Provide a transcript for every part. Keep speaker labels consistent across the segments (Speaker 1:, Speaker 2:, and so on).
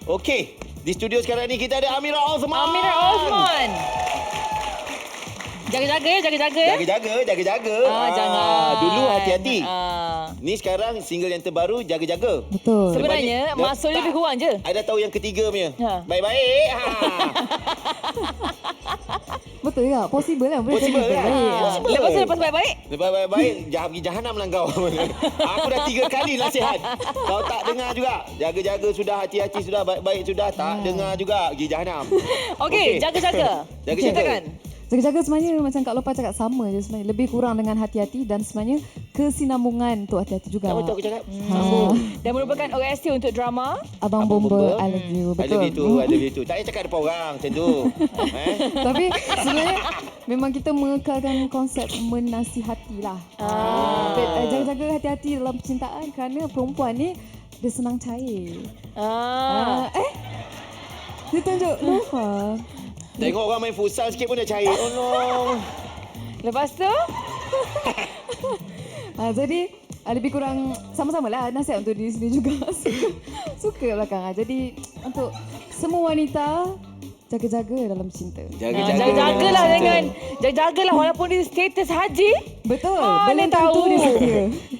Speaker 1: Okey, di studio sekarang ni kita ada Amira Osman.
Speaker 2: Amira Osman. Jaga-jaga ya, jaga-jaga ya.
Speaker 1: Jaga-jaga.
Speaker 2: Jangan.
Speaker 1: Dulu hati-hati. Ni sekarang single yang terbaru, jaga-jaga.
Speaker 3: Betul.
Speaker 2: Sebenarnya maksudnya lebih kurang je.
Speaker 1: Ada tahu yang ketiga punya.
Speaker 2: Ha.
Speaker 1: Baik-baik.
Speaker 3: Betul ya, possible lah. Boleh
Speaker 1: Possible
Speaker 3: jadi
Speaker 1: kan?
Speaker 3: baik.
Speaker 1: Possible.
Speaker 2: Lepas tu lepas baik-baik.
Speaker 1: Lepas baik-baik, jangan pergi jahanam lah kau. Aku dah 3 kali nasihat. Kau tak dengar juga. Jaga-jaga sudah, hati-hati sudah, baik-baik sudah. Tak dengar juga, pergi jahanam.
Speaker 2: Okey, jaga-jaga.
Speaker 1: Jaga-jaga.
Speaker 2: Ceritakan.
Speaker 3: Jaga-jaga sebenarnya macam Kak Lopa cakap sama je sebenarnya. Lebih kurang dengan hati-hati dan sebenarnya kesinambungan untuk hati-hati juga.
Speaker 1: Apa tu aku cakap?
Speaker 3: Ha.
Speaker 2: Dan merupakan OST untuk drama.
Speaker 3: Abang Bomba, I love you.
Speaker 1: I
Speaker 3: Betul.
Speaker 1: love you too. Tak payah cakap depan orang macam tu.
Speaker 3: Tapi sebenarnya memang kita mengekalkan konsep menasihati lah. Jaga-jaga hati-hati dalam percintaan kerana perempuan ni dia senang cair. Dia tunjuk Lofa.
Speaker 1: Tengok orang main futsal sikit pun dah cair. Oh no.
Speaker 2: Lepas tu,
Speaker 3: Jadi lebih kurang sama-sama lah nasihat untuk diri sendiri juga. Suka belakang. Jadi untuk semua wanita, jaga-jaga dalam cinta.
Speaker 2: jaga-jagalah dengan jaga-jagalah walaupun dia status haji.
Speaker 3: Betul.
Speaker 2: Mana
Speaker 3: Belum
Speaker 2: tahu.
Speaker 3: tentu dia setia.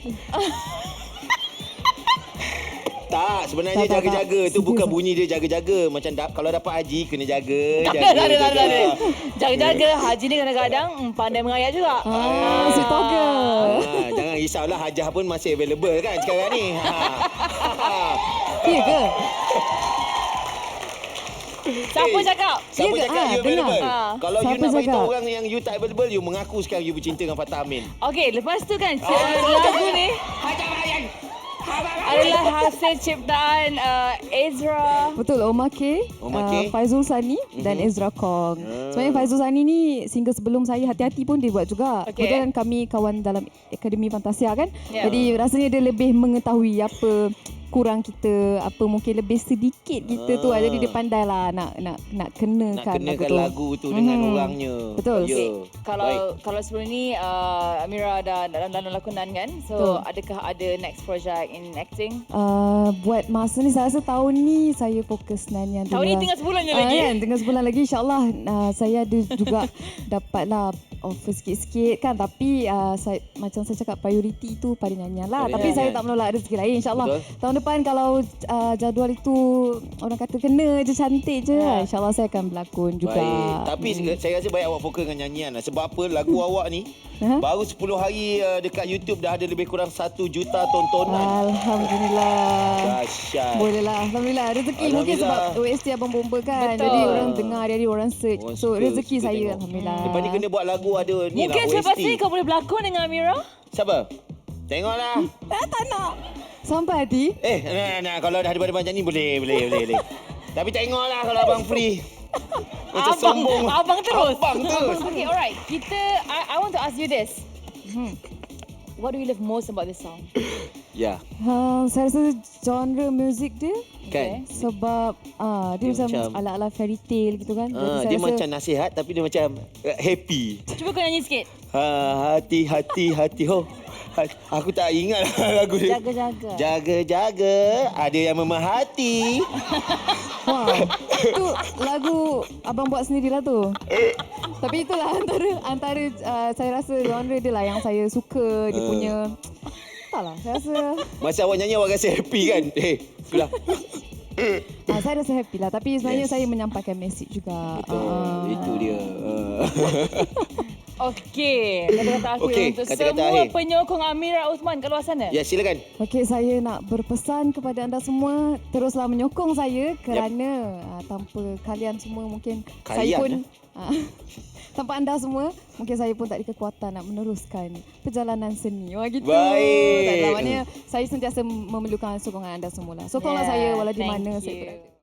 Speaker 1: Tak, sebenarnya
Speaker 3: Tak.
Speaker 1: jaga-jaga tu
Speaker 3: Serius
Speaker 1: bukan
Speaker 3: tak?
Speaker 1: bunyi dia jaga-jaga. Macam kalau dapat haji kena jaga.
Speaker 2: Tak ada. Jaga-jaga haji ni kadang-kadang pandai mengayat juga.
Speaker 3: Sweet talker.
Speaker 1: Jangan risaulah, hajah pun masih available kan sekarang ni.
Speaker 3: Ya ke?
Speaker 2: Siapa cakap?
Speaker 1: Siapa
Speaker 3: Ya ke?
Speaker 1: cakap you
Speaker 3: Dengar.
Speaker 1: available? Kalau you
Speaker 3: Siapa
Speaker 1: nak beritahu
Speaker 3: cakap?
Speaker 1: orang yang you tak available, you mengaku sekarang you bercinta dengan Fatah Amin.
Speaker 2: Okey, lepas tu kan lagu ni adalah hasil ciptaan Ezra.
Speaker 3: Betul, Omar K, Faizul Sani dan Ezra Kong. Sebenarnya Faizul Sani ni single sebelum saya Hati-Hati pun dia buat juga.
Speaker 2: Okey.
Speaker 3: Kemudian kami kawan dalam Akademi Fantasia kan.
Speaker 2: Ya.
Speaker 3: Jadi rasanya dia lebih mengetahui apa kurang kita, apa mungkin lebih sedikit kita tu. Jadi dia pandai lah nak kenakan
Speaker 1: Nak kenakan lagu tu dengan orangnya.
Speaker 3: Betul.
Speaker 1: Ya.
Speaker 2: Kalau sebelum ni Amira dah dalam lakonan kan. So adakah ada next project in acting?
Speaker 3: Buat masa ni saya rasa tahun ni saya fokus nyanyian dulu.
Speaker 2: Tahun ni
Speaker 3: lah.
Speaker 2: tinggal sebulan je lagi.
Speaker 3: Kan, tinggal sebulan lagi insyaAllah saya ada juga dapatlah offer sikit-sikit kan, tapi macam saya cakap prioriti tu pada nyanyian lah.
Speaker 1: Pada
Speaker 3: Tapi
Speaker 1: nyanyian.
Speaker 3: saya tak menolak rezeki lain insyaAllah.
Speaker 1: Betul.
Speaker 3: Tahun depan kalau jadual itu orang kata kena je, cantik je, insyaAllah saya akan berlakon juga.
Speaker 1: Baik. Tapi saya rasa baik awak fokus dengan nyanyian lah. Sebab apa, lagu awak ni baru 10 hari dekat YouTube dah ada lebih kurang 1 juta tontonan.
Speaker 3: Alhamdulillah.
Speaker 1: Dahsyat.
Speaker 3: Boleh lah. Alhamdulillah. Rezeki mungkin sebab OST Abang Bomba kan.
Speaker 2: Betul.
Speaker 3: Jadi orang dengar, jadi orang search.
Speaker 1: Orang
Speaker 3: So rezeki
Speaker 1: suka
Speaker 3: saya
Speaker 1: tengok.
Speaker 3: Alhamdulillah.
Speaker 1: Lepas ni kena buat lagu ada ni
Speaker 2: Mungkin
Speaker 1: lah
Speaker 2: selepas
Speaker 1: OST.
Speaker 2: ni kau boleh berlakon dengan Amira.
Speaker 1: Siapa? Tengoklah.
Speaker 3: Tak nak. Sampai hati.
Speaker 1: Nah, kalau dah ada macam ni boleh. Tapi tengoklah kalau abang free. Macam sombong.
Speaker 2: Abang terus.
Speaker 1: Abang terus.
Speaker 2: Okay, alright. I want to ask you this. What do you love most about this song?
Speaker 1: Ya.
Speaker 3: Saya rasa genre muzik dia.
Speaker 1: Kan?
Speaker 3: Sebab dia macam ala-ala fairy tale gitu kan. Jadi saya
Speaker 1: Dia
Speaker 3: rasa
Speaker 1: macam nasihat tapi dia macam happy.
Speaker 2: Cuba kau nyanyi sikit.
Speaker 1: Hati ho. Aku tak ingat lagu dia.
Speaker 2: Jaga-jaga.
Speaker 1: Jaga-jaga, ada yang memerhati.
Speaker 3: wah, tu lagu abang buat sendirilah tu. Tapi itulah antara saya rasa genre dia lah yang saya suka. Dia punya entahlah, saya rasa
Speaker 1: Masa awak nyanyi awak rasa happy kan? Itulah.
Speaker 3: saya rasa happy lah. Tapi sebenarnya saya menyampaikan mesej juga.
Speaker 1: Betul, itu dia.
Speaker 2: Okey, kata-kata akhir
Speaker 1: Okey,
Speaker 2: untuk
Speaker 1: kata-kata
Speaker 2: semua
Speaker 1: akhir.
Speaker 2: penyokong Amira Osman kat luar sana.
Speaker 1: Ya, silakan.
Speaker 3: Okey, saya nak berpesan kepada anda semua, teruslah menyokong saya kerana tanpa kalian semua mungkin saya pun tanpa anda semua mungkin saya pun tak ada kekuatan nak meneruskan perjalanan seni. Wah gitu.
Speaker 1: Baik.
Speaker 3: Tak, maknanya saya sentiasa memerlukan sokongan anda semua lah. Sokonglah saya walau di mana saya berada.